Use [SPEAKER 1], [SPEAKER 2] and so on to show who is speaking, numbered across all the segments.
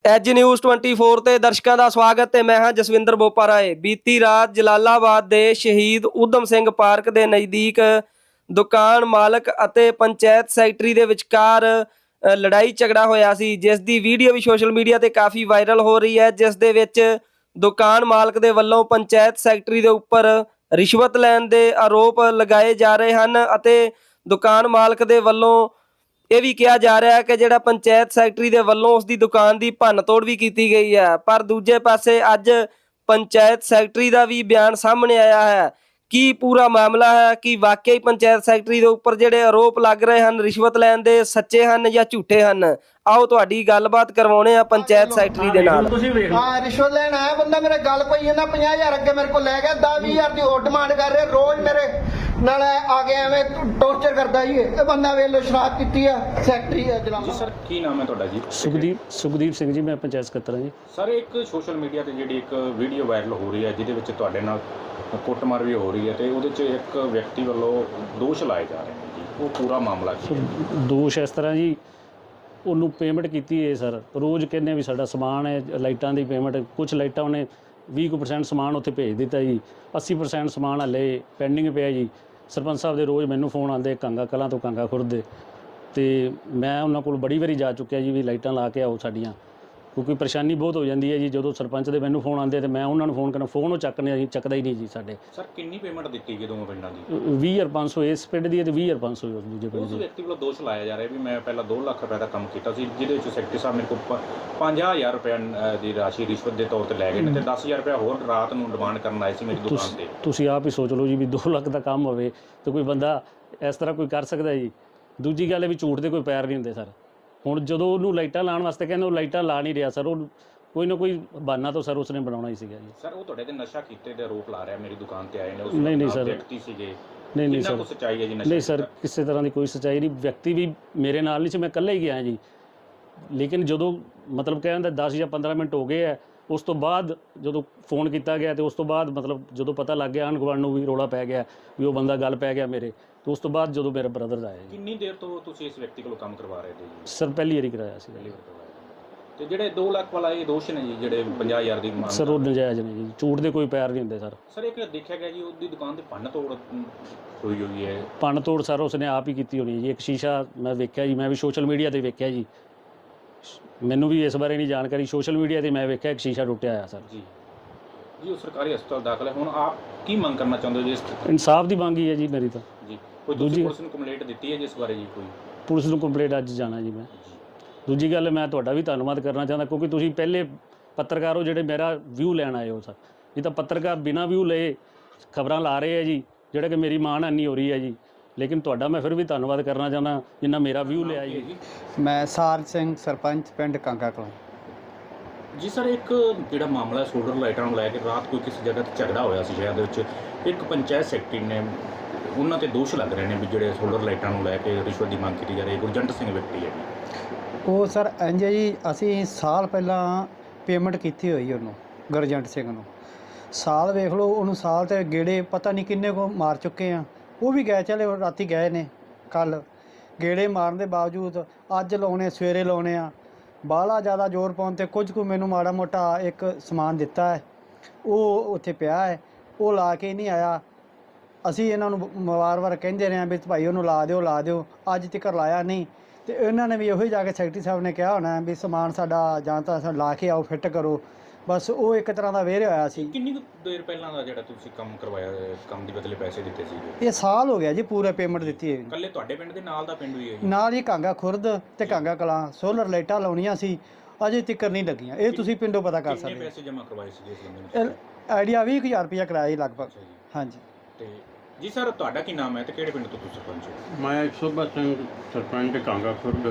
[SPEAKER 1] As news 24 ਤੇ ਦਰਸ਼ਕਾਂ ਦਾ ਸਵਾਗਤ ਹੈ। ਮੈਂ ਹਾਂ ਜਸਵਿੰਦਰ ਬੋਪਾ ਰਾਏ। ਬੀਤੀ ਰਾਤ ਜਲਾਲਾਬਾਦ ਦੇ ਸ਼ਹੀਦ ਊਧਮ ਸਿੰਘ ਪਾਰਕ ਦੇ ਨਜ਼ਦੀਕ ਦੁਕਾਨ ਮਾਲਕ ਅਤੇ ਪੰਚਾਇਤ ਸੈਕਟਰੀ ਦੇ ਵਿਚਕਾਰ ਲੜਾਈ ਝਗੜਾ ਹੋਇਆ ਸੀ, ਜਿਸ ਦੀ ਵੀਡੀਓ ਵੀ ਸੋਸ਼ਲ ਮੀਡੀਆ ਤੇ ਕਾਫੀ ਵਾਇਰਲ ਹੋ ਰਹੀ ਹੈ, ਜਿਸ ਦੇ ਵਿੱਚ ਦੁਕਾਨ ਮਾਲਕ ਦੇ ਵੱਲੋਂ ਪੰਚਾਇਤ ਸੈਕਟਰੀ ਦੇ ਉੱਪਰ ਰਿਸ਼ਵਤ ਲੈਣ ਦੇ ਆਰੋਪ ਲਗਾਏ ਜਾ ਰਹੇ ਹਨ ਅਤੇ ਦੁਕਾਨ ਮਾਲਕ ਦੇ ਵੱਲੋਂ ਇਹ ਵੀ ਕਿਹਾ ਜਾ ਰਿਹਾ ਹੈ ਕਿ ਜਿਹੜਾ ਪੰਚਾਇਤ ਸੈਕਟਰੀ ਦੇ ਵੱਲੋਂ ਉਸ ਦੀ ਦੁਕਾਨ ਦੀ ਭੰਨ ਤੋੜ ਵੀ ਕੀਤੀ ਗਈ ਹੈ। ਪਰ ਦੂਜੇ ਪਾਸੇ ਅੱਜ ਪੰਚਾਇਤ ਸੈਕਟਰੀ ਦਾ ਵੀ ਬਿਆਨ ਸਾਹਮਣੇ ਆਇਆ ਹੈ। ਕੀ ਪੂਰਾ ਮਾਮਲਾ ਹੈ, ਕਿ ਵਾਕਈ ਪੰਚਾਇਤ ਸੈਕਟਰੀ ਦੇ ਉੱਪਰ ਜਿਹੜੇ ਆਰੋਪ ਲੱਗ ਰਹੇ ਹਨ ਰਿਸ਼ਵਤ ਲੈਣ ਦੇ ਸੱਚੇ ਹਨ ਜਾਂ ਝੂਠੇ ਹਨ, ਆਓ ਤੁਹਾਡੀ ਗੱਲਬਾਤ ਕਰਵਾਉਣੇ ਆ ਪੰਚਾਇਤ ਸੈਕਟਰੀ ਦੇ ਨਾਲ।
[SPEAKER 2] ਹਾਂ, ਰਿਸ਼ਵਤ ਲੈਣ ਆਇਆ ਬੰਦਾ, ਮੇਰੇ ਗੱਲ ਪਈ ਜਾਂਦਾ 50,000 ਅੱਗੇ ਮੇਰੇ ਕੋਲ ਲੈ ਗਿਆ, 10-20,000 ਦੀ ਹੋਰ ਡਿਮਾਂਡ ਕਰ ਰਿਹਾ, ਰੋਜ਼ ਮੇਰੇ ਨਾਲ ਆ ਕੇ ਐਵੇਂ ਟੌਰਚਰ ਕਰਦਾ ਜੀ। ਇਹ ਬੰਦਾ ਵੇਲੋ ਸ਼ਰਾਬ ਪੀਤੀ ਆ, ਸੈਕਟਰੀ ਆ ਜਲਾਲਾਬਾਦ।
[SPEAKER 3] ਜੀ ਸਰ, ਕੀ ਨਾਮ ਹੈ ਤੁਹਾਡਾ ਜੀ?
[SPEAKER 4] ਸੁਖਦੀਪ ਸਿੰਘ ਜੀ, ਮੈਂ ਪੰਚਾਇਤ ਸਕੱਤਰ ਹਾਂ ਜੀ।
[SPEAKER 3] ਸਰ, ਇੱਕ ਸੋਸ਼ਲ ਮੀਡੀਆ ਤੇ ਜਿਹੜੀ ਇੱਕ ਵੀਡੀਓ ਵਾਇਰਲ ਹੋ ਰਹੀ ਹੈ ਜਿਹਦੇ ਵਿੱਚ ਤੁਹਾਡੇ ਨਾਲ ਕੁੱਟਮਾਰ ਵੀ ਹੋ ਰਹੀ ਹੈ ਤੇ ਉਹਦੇ 'ਚ ਇੱਕ ਵਿਅਕਤੀ ਵੱਲੋਂ ਦੋਸ਼ ਲਾਏ ਜਾ ਰਹੇ ਨੇ ਜੀ, ਉਹ ਪੂਰਾ ਮਾਮਲਾ ਕੀ ਹੈ?
[SPEAKER 4] ਦੋਸ਼ ਇਸ ਤਰ੍ਹਾਂ ਜੀ, ਉਹਨੂੰ ਪੇਮੈਂਟ ਕੀਤੀ ਹੈ ਸਰ, ਰੋਜ਼ ਕਹਿੰਦੇ ਵੀ ਸਾਡਾ ਸਮਾਨ ਹੈ, ਲਾਈਟਾਂ ਦੀ ਪੇਮੈਂਟ, ਕੁਝ ਲਾਈਟਾਂ ਉਹਨੇ 20% ਸਮਾਨ ਉੱਥੇ ਭੇਜ ਦਿੱਤਾ ਜੀ, 80% ਸਮਾਨ ਹਲੇ ਪੈਂਡਿੰਗ ਪਿਆ ਜੀ। ਸਰਪੰਚ ਸਾਹਿਬ ਦੇ ਰੋਜ਼ ਮੈਨੂੰ ਫੋਨ ਆਉਂਦੇ ਕਾਂਗਾ ਕਲਾਂ ਤੋਂ ਕਾਂਗਾ ਖੁਰਦ ਦੇ, ਤੇ ਮੈਂ ਉਹਨਾਂ ਕੋਲ ਬੜੀ ਵਾਰੀ ਜਾ ਚੁੱਕਿਆ ਜੀ ਵੀ ਲਾਈਟਾਂ ਲਾ ਕੇ ਆਓ ਸਾਡੀਆਂ, ਕਿਉਂਕਿ ਪਰੇਸ਼ਾਨੀ ਬਹੁਤ ਹੋ ਜਾਂਦੀ ਹੈ ਜੀ। ਜਦੋਂ ਸਰਪੰਚ ਦੇ ਮੈਨੂੰ ਫੋਨ ਆਉਂਦੇ ਤੇ ਮੈਂ ਉਹਨਾਂ ਨੂੰ ਫੋਨ ਕਰਨਾ, ਫੋਨ ਉਹ ਚੱਕਦਾ ਹੀ ਨਹੀਂ ਜੀ ਸਾਡੇ।
[SPEAKER 3] ਸਰ, ਕਿੰਨੀ ਪੇਮੈਂਟ ਦਿੱਤੀ ਗਈ ਦੋਵਾਂ ਪਿੰਡਾਂ ਦੀ?
[SPEAKER 4] 20,500 ਇਸ ਪਿੰਡ ਦੀ ਹੈ ਤੇ 20,500 ਉਸ ਦੂਜੇ ਪਿੰਡ
[SPEAKER 3] ਉਸ
[SPEAKER 4] ਦੀ।
[SPEAKER 3] ਵਿਅਕਤੀ ਵੱਲੋਂ ਦੋਸ਼ ਲਾਇਆ ਜਾ ਰਿਹਾ ਵੀ ਮੈਂ ਪਹਿਲਾਂ 2 ਲੱਖ ਰੁਪਏ ਦਾ ਕੰਮ ਕੀਤਾ ਸੀ, ਜਿਹਦੇ ਵਿੱਚ ਸੈਕਟਰੀ ਸਾਹਿਬ ਮੇਰੇ ਕੋਲ 50,000 ਰੁਪਏ ਦੀ ਰਾਸ਼ੀ ਰਿਸ਼ਵਤ ਦੇ ਤੌਰ ਤੇ ਲੈ ਗਏ ਨੇ ਤੇ 10,000 ਰੁਪਏ ਹੋਰ ਰਾਤ ਨੂੰ ਡਿਮਾਂਡ ਕਰਨ ਆਏ ਸੀ ਮੇਰੀ ਦੁਕਾਨ ਤੇ।
[SPEAKER 4] ਤੁਸੀਂ ਆਪ ਹੀ ਸੋਚ ਲਓ ਜੀ ਵੀ 2 ਲੱਖ ਦਾ ਕੰਮ ਹੋਵੇ ਤੇ ਕੋਈ ਬੰਦਾ ਇਸ ਤਰ੍ਹਾਂ ਕੋਈ ਕਰ ਸਕਦਾ ਜੀ। ਦੂਜੀ ਗੱਲ ਹੈ ਵੀ ਝੂਠ ਦੇ ਕੋਈ ਪੈਰ ਨਹੀਂ ਹੁੰਦੇ ਸਰ। ਹੁਣ ਜਦੋਂ ਉਹਨੂੰ ਲਾਈਟਾਂ ਲਾਉਣ ਵਾਸਤੇ ਕਹਿੰਦੇ, ਉਹ ਲਾਈਟਾਂ ਲਾ ਨਹੀਂ ਰਿਹਾ ਸਰ, ਉਹ ਕੋਈ ਨਾ ਕੋਈ ਬਹਾਨਾ ਤਾਂ ਸਰ ਉਸਨੇ ਬਣਾਉਣਾ ਹੀ ਸੀਗਾ ਜੀ।
[SPEAKER 3] ਸਰ, ਉਹ ਤੁਹਾਡੇ ਤੇ ਨਸ਼ਾ ਕੀਤੇ ਦੇ ਆਰੋਪ ਲਾ ਰਿਹਾ, ਮੇਰੀ ਦੁਕਾਨ ਤੇ ਆਏ ਨੇ, ਉਸ
[SPEAKER 4] ਨਹੀਂ ਸਰ,
[SPEAKER 3] ਵਿਅਕਤੀ ਸੀਗੇ।
[SPEAKER 4] ਨਹੀਂ ਸਰ,
[SPEAKER 3] ਕੋਈ ਸੱਚਾਈ ਹੈ ਜੀ?
[SPEAKER 4] ਨਹੀਂ ਸਰ, ਕਿਸੇ ਤਰ੍ਹਾਂ ਦੀ ਕੋਈ ਸੱਚਾਈ ਨਹੀਂ। ਵਿਅਕਤੀ ਵੀ ਮੇਰੇ ਨਾਲ ਨਹੀਂ ਸੀ, ਮੈਂ ਇਕੱਲਾ ਹੀ ਗਿਆ ਜੀ। ਲੇਕਿਨ ਜਦੋਂ ਮਤਲਬ ਕਹਿੰਦਾ 10 ਜਾਂ 15 ਮਿੰਟ ਹੋ ਗਏ ਹੈ, ਉਸ ਤੋਂ ਬਾਅਦ ਜਦੋਂ ਫੋਨ ਕੀਤਾ ਗਿਆ ਤੇ ਉਸ ਤੋਂ ਬਾਅਦ ਮਤਲਬ ਜਦੋਂ ਪਤਾ ਲੱਗ ਗਿਆ ਆਂਢ ਗੁਆਂਢ ਨੂੰ ਵੀ ਰੌਲਾ ਪੈ ਗਿਆ ਵੀ ਉਹ ਬੰਦਾ ਗੱਲ ਪੈ ਗਿਆ ਮੇਰੇ, ਤੇ ਉਸ ਤੋਂ ਬਾਅਦ ਜਦੋਂ ਮੇਰਾ ਬ੍ਰਦਰ ਆਇਆ ਜੀ।
[SPEAKER 3] ਕਿੰਨੀ ਦੇਰ ਤੋਂ ਤੁਸੀਂ ਇਸ ਵਿਅਕਤੀ ਕੋਲੋਂ ਕੰਮ ਕਰਵਾ ਰਹੇ ਜੀ?
[SPEAKER 4] ਸਰ, ਪਹਿਲੀ ਵਾਰੀ ਕਰਾਇਆ ਸੀ।
[SPEAKER 3] ਤੇ ਜਿਹੜੇ 2 ਲੱਖ ਵਾਲਾ ਇਹ ਦੋਸ਼ ਨੇ ਜੀ, ਜਿਹੜੇ 50,000 ਦੀ ਮੰਗ,
[SPEAKER 4] ਸਰ ਉਹ ਨਜਾਇਜ਼ ਨੇ ਜੀ, ਝੂਠ ਦੇ ਕੋਈ ਪੈਰ ਨਹੀਂ ਹੁੰਦੇ ਸਰ।
[SPEAKER 3] ਸਰ, ਇੱਕ ਦੇਖਿਆ ਗਿਆ ਜੀ ਉਹਦੀ ਦੁਕਾਨ ਤੇ ਭੰਨ ਤੋੜ ਹੋਈ ਹੈ।
[SPEAKER 4] ਭੰਨ ਤੋੜ ਸਰ ਉਸਨੇ ਆਪ ਹੀ ਕੀਤੀ ਹੋਣੀ ਜੀ। ਇੱਕ ਸ਼ੀਸ਼ਾ ਮੈਂ ਵੇਖਿਆ ਜੀ, ਮੈਂ ਵੀ ਸੋਸ਼ਲ ਮੀਡੀਆ ਤੇ ਵੇਖਿਆ ਜੀ, ਮੈਨੂੰ ਵੀ ਇਸ ਬਾਰੇ ਨਹੀਂ ਜਾਣਕਾਰੀ, ਸੋਸ਼ਲ ਮੀਡੀਆ ਤੇ ਮੈਂ ਵੇਖਿਆ ਇੱਕ ਸ਼ੀਸ਼ਾ ਟੁੱਟਿਆ ਹੋਇਆ ਸਰ
[SPEAKER 3] ਜੀ। ਉਹ ਸਰਕਾਰੀ ਹਸਪਤਾਲ ਦਾਖਲ ਹੈ। ਹੁਣ ਆਪ ਕੀ ਮੰਗ ਕਰਨਾ ਚਾਹੁੰਦੇ ਹੋ ਜੀ?
[SPEAKER 4] ਇਨਸਾਫ ਦੀ ਮੰਗ ਹੀ ਹੈ ਜੀ ਮੇਰੀ ਤਾਂ
[SPEAKER 3] ਜੀ। ਕੋਈ ਦੂਜੀ ਪੁਲਿਸ ਨੂੰ ਕੰਪਲੇਂਟ ਦਿੱਤੀ ਹੈ ਜਿਸ ਬਾਰੇ ਜੀ? ਕੋਈ
[SPEAKER 4] ਪੁਲਿਸ ਨੂੰ ਕੰਪਲੇਂਟ ਅੱਜ ਜਾਣਾ ਜੀ ਮੈਂ। ਦੂਜੀ ਗੱਲ, ਮੈਂ ਤੁਹਾਡਾ ਵੀ ਧੰਨਵਾਦ ਕਰਨਾ ਚਾਹੁੰਦਾ, ਕਿਉਂਕਿ ਤੁਸੀਂ ਪਹਿਲੇ ਪੱਤਰਕਾਰ ਹੋ ਜਿਹੜੇ ਮੇਰਾ ਵਿਊ ਲੈਣ ਆਏ ਹੋ ਸਰ। ਇਹ ਤਾਂ ਪੱਤਰਕਾਰ ਬਿਨਾਂ ਵਿਊ ਲਏ ਖਬਰਾਂ ਲਾ ਰਹੇ ਆ ਜੀ, ਜਿਹੜਾ ਕਿ ਮੇਰੀ ਮਾਣਹਾਨੀ ਹੋ ਰਹੀ ਹੈ ਜੀ। ਲੇਕਿਨ ਤੁਹਾਡਾ ਮੈਂ ਫਿਰ ਵੀ ਧੰਨਵਾਦ ਕਰਨਾ ਚਾਹੁੰਦਾ ਜਿੰਨਾ ਮੇਰਾ ਵਿਊ ਲਿਆ ਜੀ।
[SPEAKER 2] ਮੈਂ ਸਾਰ ਸਿੰਘ, ਸਰਪੰਚ ਪਿੰਡ ਕਾਂਗਾ ਕਲਾਂ
[SPEAKER 3] ਜੀ। ਸਰ, ਇੱਕ ਜਿਹੜਾ ਮਾਮਲਾ ਸੋਲਰ ਲਾਈਟਾਂ ਨੂੰ ਲੈ ਕੇ ਰਾਤ ਕੋਈ ਕਿਸੇ ਜਗ੍ਹਾ ਤੇ ਝਗੜਾ ਹੋਇਆ ਸੀ ਸ਼ਹਿਰ ਦੇ ਵਿੱਚ, ਇੱਕ ਪੰਚਾਇਤ ਸੈਕਟਰੀ ਨੇ, ਉਹਨਾਂ ਤੇ ਦੋਸ਼ ਲੱਗ ਰਹੇ ਨੇ ਵੀ ਜਿਹੜੇ ਸੋਲਰ ਲਾਈਟਾਂ ਨੂੰ ਲੈ ਕੇ ਰਿਸ਼ਵਤ ਦੀ ਮੰਗ ਕੀਤੀ ਜਾ ਰਹੀ ਹੈ। ਗੁਰਜੰਟ ਸਿੰਘ ਵਿਅਕਤੀ ਹੈ ਜੀ।
[SPEAKER 2] ਉਹ ਸਰ ਇੰਝ ਜੀ, ਅਸੀਂ ਸਾਲ ਪਹਿਲਾਂ ਪੇਮੈਂਟ ਕੀਤੀ ਹੋਈ ਉਹਨੂੰ, ਗੁਰਜੰਟ ਸਿੰਘ ਨੂੰ। ਸਾਲ ਵੇਖ ਲਓ, ਉਹਨੂੰ ਸਾਲ ਤੇ ਗੇੜੇ ਪਤਾ ਨਹੀਂ ਕਿੰਨੇ ਕੋ ਮਾਰ ਚੁੱਕੇ ਆ। ਉਹ ਵੀ ਗਏ, ਚਲੇ ਰਾਤੀ ਗਏ ਨੇ, ਕੱਲ੍ਹ ਗੇੜੇ ਮਾਰਨ ਦੇ ਬਾਵਜੂਦ ਅੱਜ ਲਾਉਣੇ, ਸਵੇਰੇ ਲਾਉਣੇ ਆ। ਬਾਹਲਾ ਜ਼ਿਆਦਾ ਜ਼ੋਰ ਪਾਉਣ 'ਤੇ ਕੁਝ ਕੁ ਮੈਨੂੰ ਮਾੜਾ ਮੋਟਾ ਇੱਕ ਸਮਾਨ ਦਿੱਤਾ ਹੈ, ਉਹ ਉੱਥੇ ਪਿਆ ਹੈ, ਉਹ ਲਾ ਕੇ ਨਹੀਂ ਆਇਆ। ਅਸੀਂ ਇਹਨਾਂ ਨੂੰ ਵਾਰ-ਵਾਰ ਕਹਿੰਦੇ ਰਹੇ ਹਾਂ ਵੀ ਭਾਈ ਉਹਨੂੰ ਲਾ ਦਿਓ, ਅੱਜ ਤੱਕ ਲਾਇਆ ਨਹੀਂ। ਤੇ ਇਹਨਾਂ ਨੇ ਵੀ ਇਹੋ ਹੀ ਜਾ ਕੇ ਸੈਕਟਰੀ ਸਾਹਿਬ ਨੇ ਕਿਹਾ ਹੋਣਾ ਵੀ ਸਮਾਨ ਸਾਡਾ ਜਾਂ ਤਾਂ ਲਾ ਕੇ ਆਓ, ਫਿੱਟ ਕਰੋ। ਬਸ ਉਹ ਇੱਕ ਤਰ੍ਹਾਂ ਦਾ ਵੇਰ ਹੋਇਆ ਸੀ।
[SPEAKER 3] ਕਿੰਨੀ ਕੁ ਦੇਰ ਪਹਿਲਾਂ ਦਾ ਜਿਹੜਾ ਤੁਸੀਂ ਕੰਮ ਕਰਵਾਇਆ, ਕੰਮ ਦੇ ਬਦਲੇ ਪੈਸੇ ਦਿੱਤੇ ਸੀ?
[SPEAKER 2] ਇਹ ਸਾਲ ਹੋ ਗਿਆ ਜੀ, ਪੂਰਾ ਪੇਮੈਂਟ ਦਿੱਤੀ ਹੈ।
[SPEAKER 3] ਇਕੱਲੇ ਤੁਹਾਡੇ ਪਿੰਡ ਦੇ ਨਾਲ ਦਾ ਪਿੰਡ ਵੀ ਹੈ ਜੀ?
[SPEAKER 2] ਨਾਲ ਹੀ ਕਾਂਗਾ ਖੁਰਦ ਤੇ ਕਾਂਗਾ ਕਲਾਂ ਸੋਲਰ ਲਾਈਟਾਂ ਲਾਉਣੀਆਂ ਸੀ, ਅਜੇ ਤੱਕ ਨਹੀਂ ਲੱਗੀਆਂ। ਇਹ ਤੁਸੀਂ ਪਿੰਡੋਂ ਪਤਾ ਕਰ ਸਕਦੇ ਹੋ।
[SPEAKER 3] ਕਿੰਨੇ ਪੈਸੇ ਜਮ੍ਹਾਂ ਕਰਵਾਏ ਸੀ ਇਸ ਬੰਦੇ ਨੇ?
[SPEAKER 2] ਆਈਡੀਆ 20,000 ਰੁਪਇਆ ਕਰਾਇਆ ਜੀ ਲਗਭਗ। ਹਾਂਜੀ।
[SPEAKER 3] ਤੇ ਜੀ ਸਰ, ਤੁਹਾਡਾ ਕੀ ਨਾਮ ਹੈ ਤੇ ਕਿਹੜੇ ਪਿੰਡ ਤੋਂ ਤੁਸੀਂ ਸਰਪੰਚ ਹੋ?
[SPEAKER 5] ਮੈਂ ਸੁਭਾ ਸਿੰਘ, ਸਰਪੰਚ ਕਾਂਗਾ ਖੁਰਦ।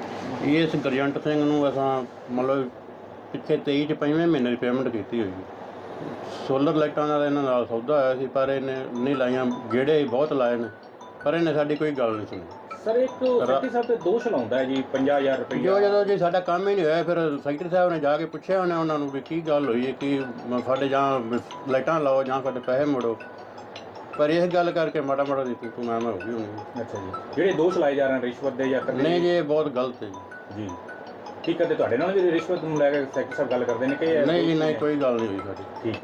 [SPEAKER 5] ਇਸ ਗੁਰਜੰਟ ਸਿੰਘ ਨੂੰ ਅਸਾਂ ਮਤਲਬ ਪਿੱਛੇ 23 ਚ 5ਵੇਂ ਮਹੀਨੇ ਦੀ ਪੇਮੈਂਟ ਕੀਤੀ ਹੋਈ। ਸੋਲਰ ਲਾਈਟਾਂ ਦਾ ਇਹਨਾਂ ਨਾਲ ਸੌਦਾ ਹੋਇਆ ਸੀ, ਪਰ ਇਹਨੇ ਨਹੀਂ ਲਾਈਆਂ, ਗੇੜੇ ਬਹੁਤ ਲਾਏ ਨੇ, ਪਰ ਇਹਨੇ ਸਾਡੀ ਕੋਈ ਗੱਲ ਨਹੀਂ ਸੁਣੀ।
[SPEAKER 3] ਸਰ, ਇੱਕ ਸੈਕਟਰੀ ਸਾਹਿਬ ਤੇ ਦੋਸ਼ ਲਾਉਂਦਾ ਹੈ ਜੀ 50,000 ਰੁਪਏ।
[SPEAKER 5] ਜਦੋਂ ਜੀ ਸਾਡਾ ਕੰਮ ਹੀ ਨਹੀਂ ਹੋਇਆ, ਫਿਰ ਸੈਕਟਰੀ ਸਾਹਿਬ ਨੇ ਜਾ ਕੇ ਪੁੱਛਿਆ ਉਹਨੇ ਉਹਨਾਂ ਨੂੰ ਵੀ ਕੀ ਗੱਲ ਹੋਈ ਹੈ, ਕਿ ਸਾਡੇ ਜਾਂ ਲਾਈਟਾਂ ਲਾਓ ਜਾਂ ਸਾਡੇ ਪੈਸੇ ਮੋੜੋ। ਪਰ ਇਸ ਗੱਲ ਕਰਕੇ ਮਾੜਾ ਦੀ ਤੂੰ ਮੈਂ ਹੋ ਗਈ ਹੋਣੀ।
[SPEAKER 3] ਅੱਛਾ ਜੀ। ਜਿਹੜੇ ਦੋਸ਼ ਲਾਏ ਜਾ ਰਹੇ ਨੇ ਰਿਸ਼ਵਤ ਦੇ ਜਾਂ
[SPEAKER 5] ਨਹੀਂ ਜੀ, ਇਹ ਬਹੁਤ ਗਲਤ ਹੈ ਜੀ।
[SPEAKER 3] ਠੀਕ ਹੈ, ਤੇ ਤੁਹਾਡੇ ਨਾਲ ਵੀ ਰਿਸ਼ਵਤ ਨੂੰ ਲੈ ਕੇ ਸੈਕਟਰੀ ਸਾਹਿਬ ਗੱਲ ਕਰਦੇ ਨੇ ਕਿ
[SPEAKER 5] ਨਹੀਂ ਜੀ, ਨਹੀਂ, ਕੋਈ ਗੱਲ ਨਹੀਂ ਹੋਈ ਸਾਡੀ।
[SPEAKER 3] ਠੀਕ ਹੈ।